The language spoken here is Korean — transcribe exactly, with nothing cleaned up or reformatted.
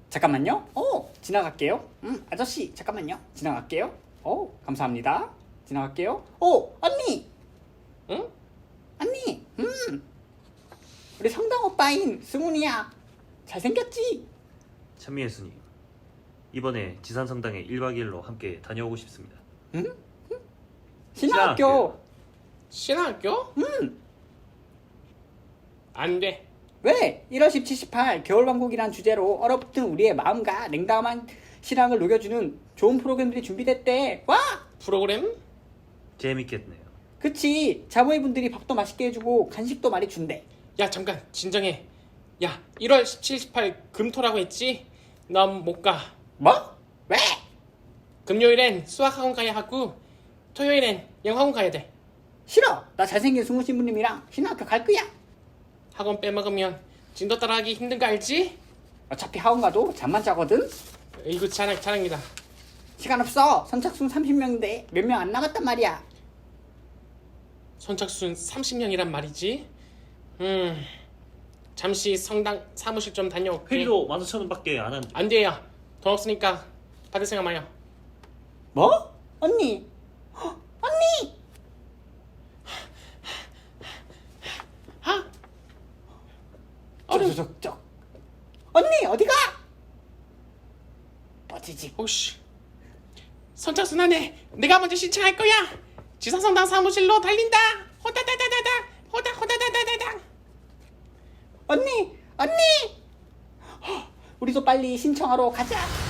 잠깐만요. 오, 지나갈게요. 음, 아저씨, 잠깐만요. 지나갈게요. 오, 감사합니다. 지나갈게요. 오, 언니! 응? 언니! 음! 우리 성당 오빠인 승훈이야. 잘생겼지? 찬미예수님, 이번에 지산성당에 일 박 이 일로 함께 다녀오고 싶습니다. 응? 신학교. 신학교? 음! 안 돼. 왜? 일월 십칠, 십팔 겨울왕국이란 주제로 얼어붙은 우리의 마음과 냉담한 신앙을 녹여주는 좋은 프로그램들이 준비됐대. 와! 프로그램? 재밌겠네요. 그치. 자모이 분들이 밥도 맛있게 해주고 간식도 많이 준대. 야 잠깐 진정해. 야 일월 십칠, 십팔 금토라고 했지? 난 못 가. 뭐? 왜? 금요일엔 수학학원 가야 하고 토요일엔 영어학원 가야 돼. 싫어. 나 잘생긴 승우 신부님이랑 신학교 갈 거야. 학원 빼먹으면 진도 따라하기 힘든 거 알지? 어차피 학원 가도 잠만 자거든. 이거 자랑, 자랑이다. 시간 없어. 선착순 삼십 명인데 몇 명 안 나갔단 말이야. 선착순 삼십 명이란 말이지. 음 잠시 성당 사무실 좀 다녀올게. 회비도 만 오천 원밖에 안 한. 안 돼요. 돈 없으니까 받을 생각 마요. 뭐? 언니. 헉, 언니. 하? 어른 저저저 언니 어디가? 뻗지직. 혹시 선착순 안에 내가 먼저 신청할 거야. 지사성당 사무실로 달린다. 호다다다다다 호다 호다다다다다. 언니 언니. 헉, 우리도 빨리 신청하러 가자.